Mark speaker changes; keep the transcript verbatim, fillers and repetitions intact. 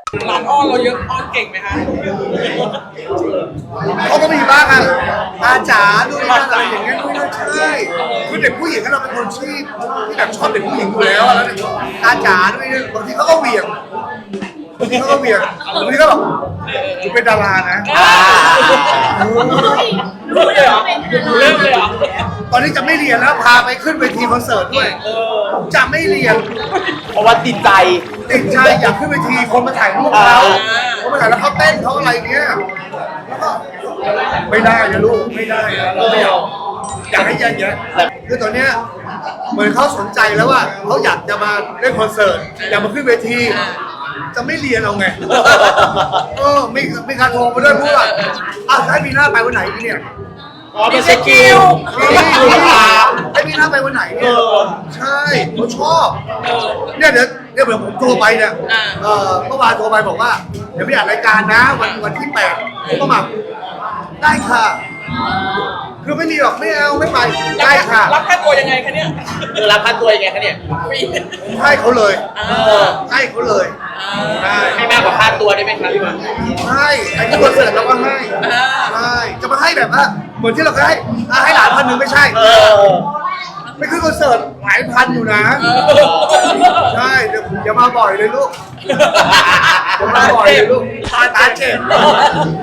Speaker 1: หลานอ้อนเราเยอะอ้อนเก่งไหมคะ
Speaker 2: เขาก็มีบ้างอ่ะอาจ๋าดูนี่นั่นอะไรอย่างเงี้ยไม่น่าใช่คือเด็กผู้หญิงเราเป็นคนที่ที่แบบชอบเด็กผู้หญิงอยู่แล้วแล้วอาจ๋าด้วยบางทีเขาก็เหวี่ยงบางทีเขาก็เหวี่ยงบางทีก็แบบกูเป็นดารานะ
Speaker 1: รู้เลยเหรอเริ่มเลยเหรอ
Speaker 2: ตอนนี้จะไม่เรียนแล้วพาไปขึ้นเวทีคอนเสิร์ตด้วยจะไม่เรียน
Speaker 3: เพราะว่าติดใจ
Speaker 2: ติดใจอยากขึ้นเวทีคนมาถ่ายรูปเขาเขามาถ่ายแล้วเขาเต้นเขาอะไรเงี้ยแล้วก็ไม่ได้นะลูกไม่ได้นะเราไม่เอาอยากให้เยอะๆคือตอนเนี้ยเหมือนเขาสนใจแล้วว่าเขาอยากจะมาเล่นคอนเสิร์ตอยากมาขึ้นเวที จะไม่เรียนเอาไงเออไม่ไม่การโทรมาด้วยพูดว่าอ้าวให้มีหน้าไปวันไหนเนี่ย
Speaker 3: อ๋อเป็นสกิล
Speaker 2: นี่ให้มีหน้าไปวันไหนเนี่ยใช่เขาชอบเนี่ยเดี๋ยวเดี๋ยวเดี๋ยวผมโทรไปเนี่ยเออเมื่อวานโทรไปบอกว่าเดี๋ยวไปอัดรายการนะวันวันที่แปดผมก็มาได้ค่ะคือไม่มีหรอกไม่เอาไม่ไปได้ค่ะ
Speaker 1: รับค่าตัวยังไงคะเนี่ย
Speaker 3: เออรับค่าตัวยังไงคะเนี่ย
Speaker 2: ผมให้เขาเลยให้เขาเลยใช่
Speaker 3: ให้มากกว่าค่าตัวได้ไหมครับพี่บอล
Speaker 2: ให้ไอ้ที่คอนเสิร์ตเราก็ให้ใช่จะมาให้แบบว่าเหมือนที่เราเคยให้อ่ะให้หลานพันหนึ่งไม่ใช่
Speaker 3: เออ
Speaker 2: ไม่ขึ้นคอนเสิร์ตหลายพันอยู่นะใช่เดี๋ยวอย่ามาบ่อยเลยลูกอย่ามาบ่อยเลยลูกตาเจ็บ